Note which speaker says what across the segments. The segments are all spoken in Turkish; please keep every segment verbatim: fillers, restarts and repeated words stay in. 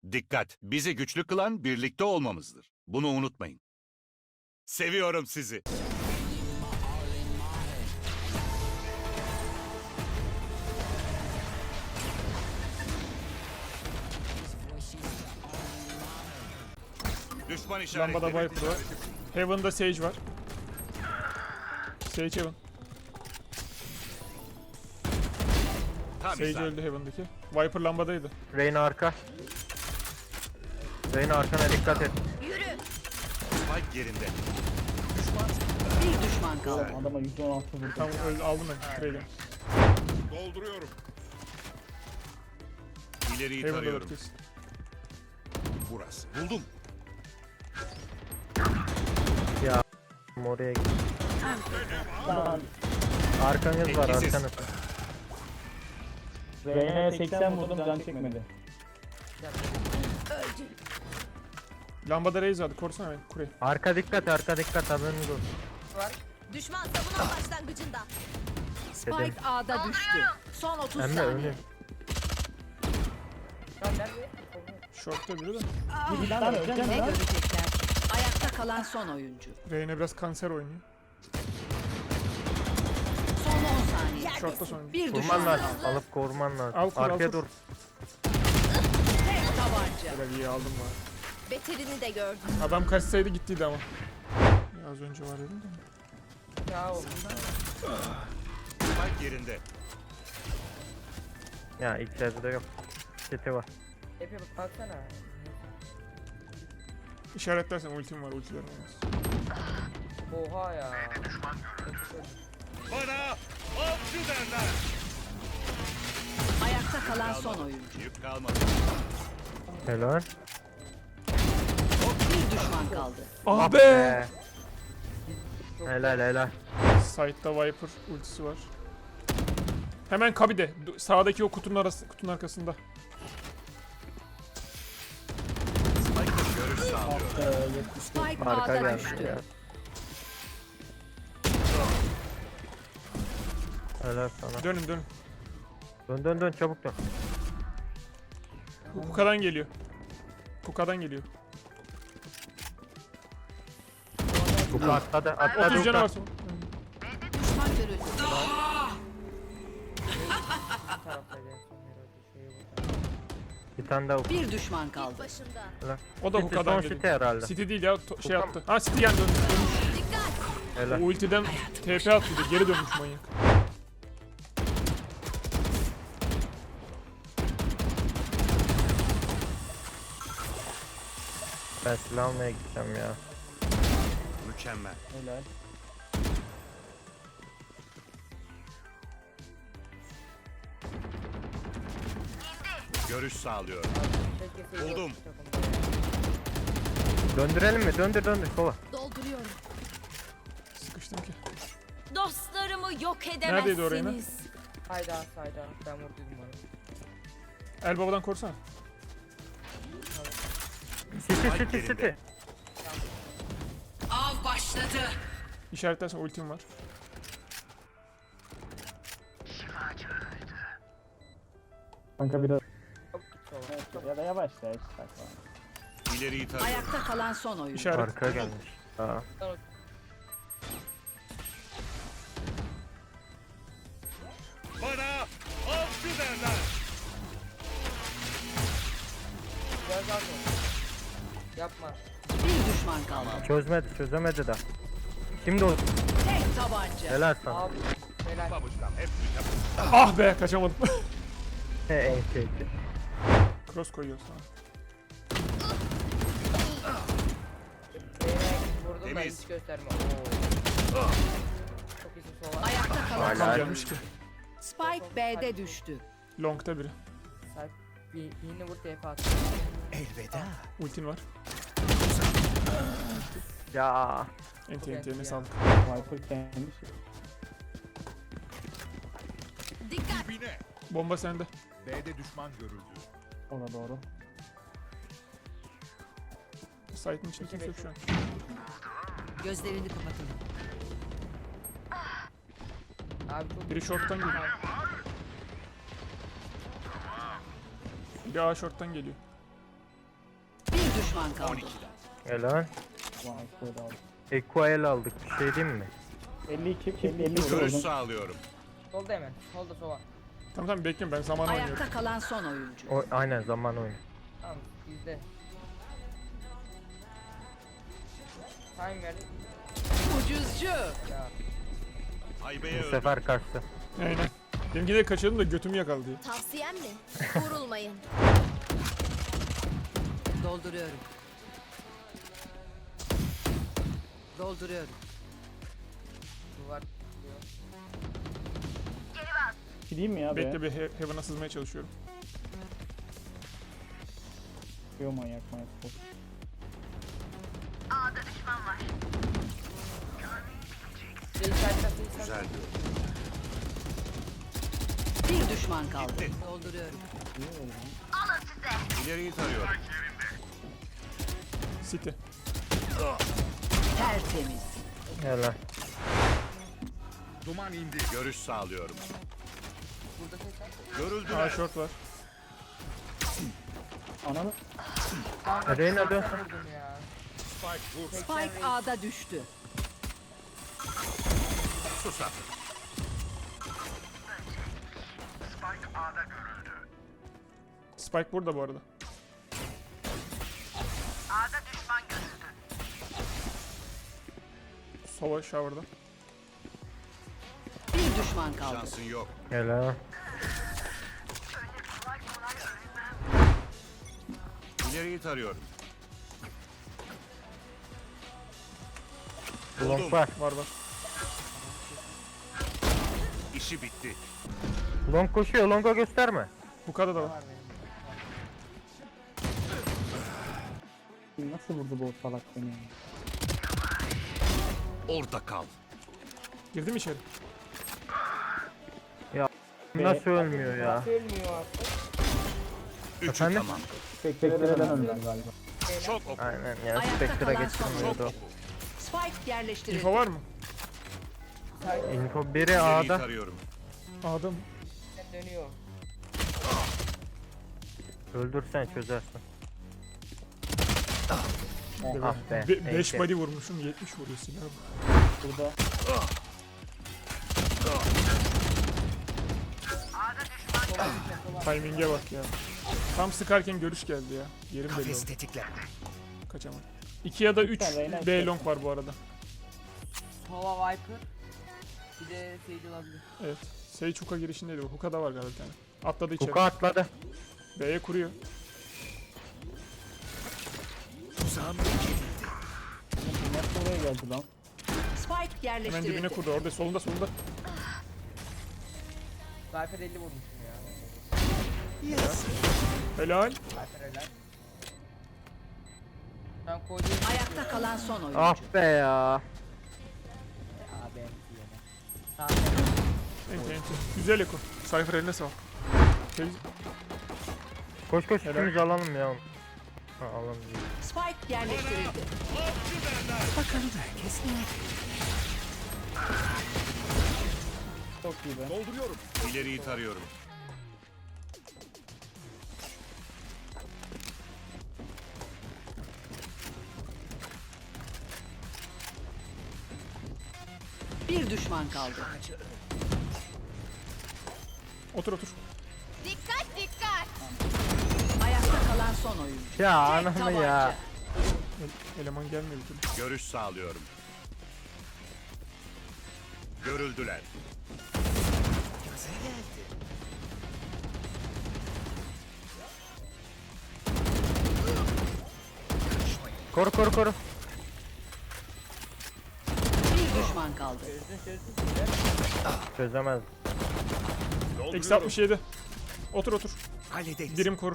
Speaker 1: Dikkat! Bizi güçlü kılan birlikte olmamızdır. Bunu unutmayın. Seviyorum sizi. Düşman işareti.
Speaker 2: Lambada Viper var. Heaven'da Sage var. Sage Heaven.
Speaker 1: Tam
Speaker 2: Sage
Speaker 1: isabet.
Speaker 2: öldü Heaven'daki. Viper lambadaydı.
Speaker 3: Reyna arka. Reyna arkana dikkat et.
Speaker 1: Spike yerinde.
Speaker 4: Bir düşman kaldı.
Speaker 5: Adama yüz on altı vurdu.
Speaker 2: Tamam öldü, aldım ben. Trey'den.
Speaker 1: Dolduruyorum. İleriyi
Speaker 2: Heaven'da
Speaker 1: tarıyorum.
Speaker 2: kesin.
Speaker 1: Burası. Buldum.
Speaker 3: Ya oraya git.
Speaker 5: Lan
Speaker 3: Arkanız var
Speaker 1: Etkisiz.
Speaker 3: arkanız.
Speaker 5: Reyna'ya seksen vurdum can çekmedi.
Speaker 2: Lambada Raze vardı. Korusana beni. Kurey.
Speaker 3: Arka dikkat arka dikkat haberiniz olsun.
Speaker 6: Düşman savunan başlangıcında.
Speaker 4: Spike A'da düştü. Son otuz
Speaker 3: Emre
Speaker 4: saniye.
Speaker 3: önü.
Speaker 2: Short'ta biri de.
Speaker 5: Lan öleceğim
Speaker 4: Ne
Speaker 5: lan.
Speaker 4: görecekler? Ayakta kalan son oyuncu.
Speaker 2: Reyna biraz kanser oynuyor.
Speaker 4: Son on saniye.
Speaker 2: Short'ta sonuncu.
Speaker 4: Bir
Speaker 3: Vurman
Speaker 4: düşman
Speaker 3: lazım.
Speaker 4: kaldı.
Speaker 3: Alıp koruman lazım.
Speaker 2: Al kur, al
Speaker 3: Arkaya
Speaker 2: kur.
Speaker 3: dur.
Speaker 4: Tek tabanca.
Speaker 2: Böyle iyi aldım bari.
Speaker 6: Beterini de gördüm.
Speaker 2: Adam kaçsaydı gittiydi ama. Ya az önce var dedim de.
Speaker 1: Spike yerinde.
Speaker 3: Ya ilk devre yok. Seti var.
Speaker 7: Epe baksana.
Speaker 2: İşaretlersen ultim var. Ultilerim olmaz.
Speaker 7: Oha ya.
Speaker 1: Bana avcı derler.
Speaker 4: Ayakta kalan son oyuncu.
Speaker 1: Yük kalmadı.
Speaker 3: Helal.
Speaker 4: Bir düşman kaldı.
Speaker 2: Ah be!
Speaker 3: Ee, helal helal.
Speaker 2: Side'da Viper ultisi var. Hemen Kabi'de. Du- Sağdaki o kutunun arası, kutunun arkasında.
Speaker 1: Spike'da görüş sağlıyorum.
Speaker 5: Ee, yetmiş.
Speaker 4: Spike
Speaker 3: Arka
Speaker 4: A'da
Speaker 3: gelmiş
Speaker 4: düştü.
Speaker 3: ya. Helal sana.
Speaker 2: Dönün dönün.
Speaker 3: Dön dön dön çabuk dön.
Speaker 2: Kuka'dan geliyor. Kuka'dan geliyor.
Speaker 3: Bu atladı atladı.
Speaker 2: otuz canı var.
Speaker 3: uçak.
Speaker 2: son-
Speaker 4: Düşman görüldü.
Speaker 7: Taraftaydı en son herhalde. Şeyi burada.
Speaker 3: Bir tane daha ufak.
Speaker 4: Bir düşman kaldı.
Speaker 6: Başında.
Speaker 2: O da
Speaker 3: City
Speaker 2: Kuka'dan
Speaker 3: son
Speaker 2: geliyor.
Speaker 3: city herhalde.
Speaker 2: City değil ya. to- şey
Speaker 3: Kuka
Speaker 2: attı. Ha City yani döndü.
Speaker 3: Helal.
Speaker 2: O ultiden T P attıydı. Geri dönmüş manyak.
Speaker 3: Ben silah almaya gideceğim ya.
Speaker 1: Mükemmel.
Speaker 5: Helal.
Speaker 1: Görüş sağlıyorum.
Speaker 7: Keşke seyir
Speaker 1: Buldum.
Speaker 7: takımda ya.
Speaker 3: Döndürelim mi? Döndür döndür kova.
Speaker 6: Dolduruyorum.
Speaker 2: Sıkıştım ki.
Speaker 6: Dostlarımı yok
Speaker 2: Neredeydi o Reyna?
Speaker 6: edemezsiniz.
Speaker 7: Hayda hayda. Ben vurduydum onu.
Speaker 2: El babadan korusana.
Speaker 3: City
Speaker 1: Spike
Speaker 3: city
Speaker 1: yerinde.
Speaker 3: city.
Speaker 4: Av başladı.
Speaker 2: İşaretlersen ultim var.
Speaker 5: Kanka biraz
Speaker 7: Çok git sola.
Speaker 5: ya da yavaşla hiç takma.
Speaker 1: İleriyi tarıyorum.
Speaker 4: Ayakta kalan son oyuncu.
Speaker 2: İşaret.
Speaker 3: Arka gelmiş. Aa.
Speaker 1: Bana avcı derler.
Speaker 7: Gel gel gel. Yapma.
Speaker 4: Bir düşman kaldı.
Speaker 3: Çözmedi çözemedi de. Şimdi o
Speaker 4: Tek tabanca.
Speaker 3: helal sana.
Speaker 7: Abi. Helal.
Speaker 1: Babuşkam hep
Speaker 2: Ah be kaçamadım.
Speaker 3: He en şeydi.
Speaker 2: Cross koyuyor sana.
Speaker 7: Beyler vurdum ben
Speaker 1: Temiz.
Speaker 7: hiç gösterme. Oo. Çok iyisin sola.
Speaker 4: Ayakta kalan
Speaker 3: Hala.
Speaker 4: son
Speaker 2: Tam
Speaker 4: oyuncu.
Speaker 2: gelmiş ki.
Speaker 4: Spike B'de düştü.
Speaker 2: Long'ta biri.
Speaker 7: Sahip. Bir, yeni vur T P at.
Speaker 2: Ultin var.
Speaker 3: Ya.
Speaker 2: Enti enti eline sağlık.
Speaker 5: Viper kendi şey.
Speaker 6: Dikkat.
Speaker 1: Dibine.
Speaker 2: Bomba sende.
Speaker 1: B'de düşman görüldü.
Speaker 5: Ona doğru.
Speaker 2: Site'ın içinde kimse yok şu an.
Speaker 4: Gözlerini kapatın.
Speaker 7: Abi çok
Speaker 2: Biri short'tan geliyor. Biri A short'tan geliyor.
Speaker 4: düşman kaldı.
Speaker 1: on ikiden.
Speaker 3: Helal.
Speaker 5: Ulan Exo'yu da aldım.
Speaker 3: Equal aldık. Bir şey diyeyim mi?
Speaker 5: elli iki, elli iki
Speaker 1: Görüş
Speaker 5: vurdum.
Speaker 1: sağlıyorum.
Speaker 7: Solda hemen. Solda sova.
Speaker 2: Tamam tamam bekliyorum ben zaman oynuyorum.
Speaker 4: Ayakta kalan son oyuncu.
Speaker 3: O, aynen zaman oyunu.
Speaker 7: Tamam bizde. Time verdik.
Speaker 4: Ucuzcu.
Speaker 7: Ya.
Speaker 1: Haybeye
Speaker 3: Bu
Speaker 1: öldüm.
Speaker 3: sefer kaçtı.
Speaker 2: Aynen. Benimki de kaçırdım da götümü yakaladı diye.
Speaker 6: Tavsiyem mi? Vurulmayın.
Speaker 4: Dolduruyorum. Dolduruyorum.
Speaker 7: Duvar diyor.
Speaker 5: Gideyim mi ya be?
Speaker 2: Bekle bir he Heaven'a sızmaya çalışıyorum.
Speaker 5: Yo manyak manyak. Boş.
Speaker 7: Şey işaretler
Speaker 1: Güzel diyor.
Speaker 4: Bir düşman kaldı. Dolduruyorum.
Speaker 1: İleriyi tarıyorum.
Speaker 2: City.
Speaker 4: Tertemiz.
Speaker 3: Helal.
Speaker 1: Duman indi. Görüş sağlıyorum.
Speaker 7: Burada ses var.
Speaker 2: A
Speaker 1: Görüldüler.
Speaker 2: short var.
Speaker 5: Ananı.
Speaker 7: Kanka,
Speaker 3: Reyna dön.
Speaker 7: seksen vurdum ya.
Speaker 1: Spike vur.
Speaker 4: Spike A'da düştü.
Speaker 1: Sus artık.
Speaker 2: Spike burada bu arada. Sova shower'da.
Speaker 4: Bir düşman kaldı.
Speaker 1: Şansın yok.
Speaker 3: Helal.
Speaker 1: İleriyi tarıyorum.
Speaker 3: Long var.
Speaker 2: Var var.
Speaker 1: İşi bitti.
Speaker 3: Long koşuyor. Long'a gösterme.
Speaker 2: Hookah'da da var.
Speaker 7: Var benim.
Speaker 5: Nasıl vurdu bu salak beni? ya?
Speaker 1: Orada kal.
Speaker 2: Girdi mi içeri?
Speaker 3: Nasıl ölmüyor ya?
Speaker 7: Ölmüyor artık.
Speaker 1: Üçü
Speaker 3: Efendim?
Speaker 1: tamam.
Speaker 5: Spectre'den önden galiba.
Speaker 1: Çok oku.
Speaker 3: Aynen ya.
Speaker 4: Ayakta
Speaker 3: Spectre'a
Speaker 4: kalan son
Speaker 1: Çok
Speaker 3: geçirmiyordu.
Speaker 1: oku.
Speaker 4: Spike yerleştirildi.
Speaker 2: Info var mı?
Speaker 3: Info biri
Speaker 1: İleriyi
Speaker 3: A'da.
Speaker 1: tarıyorum.
Speaker 2: A'da mı?
Speaker 7: Dönüyor.
Speaker 3: Öldürsen çözersin.
Speaker 2: Be-
Speaker 3: Ah be.
Speaker 2: Be beş
Speaker 3: neyse.
Speaker 2: body vurmuşum yetmiş vuruyor silah.
Speaker 5: Burada.
Speaker 2: Timing'e bak ya. Tam sıkarken görüş geldi ya. Yerim belli oldu. Kaçamam. iki ya da üç
Speaker 5: Lütfen, Reyna,
Speaker 2: B long var bu arada.
Speaker 7: Sova Viper. Bir de Sage olabilir.
Speaker 2: Evet. Sage Hookah girişindeydi bu. Hookah'da var galiba bir tane. Atladı içeri.
Speaker 3: Kuka atladı.
Speaker 2: B'ye kuruyor.
Speaker 5: Nasıl oraya geldi lan?
Speaker 4: Spike
Speaker 2: Hemen
Speaker 4: yerleştirildi.
Speaker 2: dibine kurdu. Orada solunda solunda.
Speaker 7: Viper elli vurmuşum ya.
Speaker 2: Helal.
Speaker 7: Viper helal. Ben koydum.
Speaker 4: Ayakta kalan son oyuncu.
Speaker 3: Ah be ya.
Speaker 7: Abi yine. Sağ
Speaker 2: Enti enti. Güzel Eko. Cypher eline sağ ol. Şey,
Speaker 3: Koş koş
Speaker 2: Helal.
Speaker 3: ikimiz alalım ya. Ha alalım.
Speaker 4: Spike yerleştirildi.
Speaker 5: Çok iyi be.
Speaker 1: Dolduruyorum. İleriyi tarıyorum.
Speaker 4: Bir düşman kaldı.
Speaker 2: otur otur.
Speaker 6: Dikkat dikkat.
Speaker 4: Ayakta kalan son oyuncu.
Speaker 3: Ya
Speaker 4: Tek
Speaker 3: ananı
Speaker 4: tabanca.
Speaker 3: ya.
Speaker 2: El- eleman gelmiyor bir türlü.
Speaker 1: Görüş sağlıyorum. Görüldüler.
Speaker 3: Koru koru koru.
Speaker 4: Bir düşman kaldı.
Speaker 3: Çözemez.
Speaker 2: Eksi altmış yedi. Otur otur. Birim korur.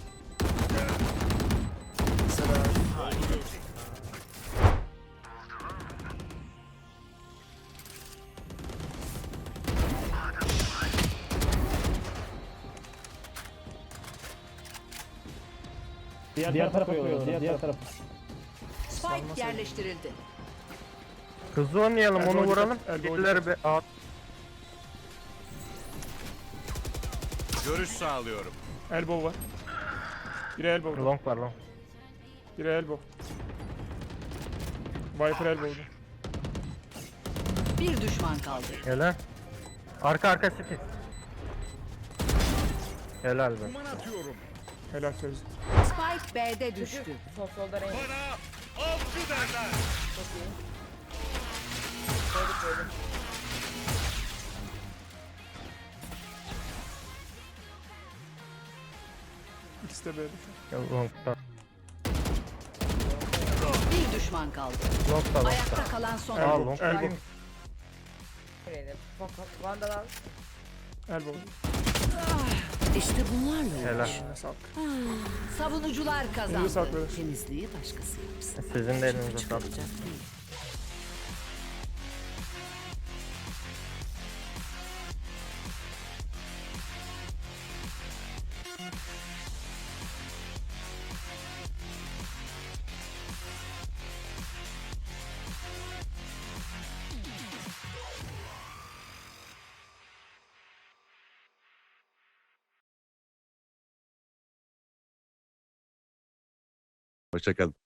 Speaker 5: Diğer, diğer tarafa yolluyorlar. Diğer, diğer tarafa.
Speaker 4: Spike yerleştirildi.
Speaker 3: Hızlı oynayalım
Speaker 2: Elbow
Speaker 3: onu
Speaker 2: dikkat,
Speaker 3: vuralım.
Speaker 2: elbow
Speaker 3: Birileri be. Aa,
Speaker 1: Görüş sağlıyorum.
Speaker 2: Elbow var. Biri elbow.
Speaker 3: long var long.
Speaker 2: Biri elbow. Viper elbow'du.
Speaker 4: Bir düşman kaldı.
Speaker 3: Helal. Arka arka city. Helal be.
Speaker 2: Helal Fevzi.
Speaker 4: Spike B'de düştü.
Speaker 7: Düştü. Sol solda renk. Çok iyi. Koyduk koyduk.
Speaker 2: İkisi de B'de şu an.
Speaker 3: Ya, Long'da.
Speaker 4: Bir düşman kaldı.
Speaker 3: Long'da long'da.
Speaker 4: Ayakta kalan son
Speaker 3: Aa,
Speaker 2: Elbow,
Speaker 3: long
Speaker 2: elbow,
Speaker 7: Nereye? Bak bak. Vandal al.
Speaker 2: elbow.
Speaker 4: İşte bunlarla
Speaker 3: Helal.
Speaker 2: Eline sağlık.
Speaker 4: savunucular
Speaker 2: Elinize
Speaker 4: kazandı.
Speaker 2: sağlık beyler.
Speaker 4: Temizliği başkası yapsın.
Speaker 3: Sizin de elinize sağlık.
Speaker 4: Çıkaracak değil.
Speaker 1: Hoşçakalın.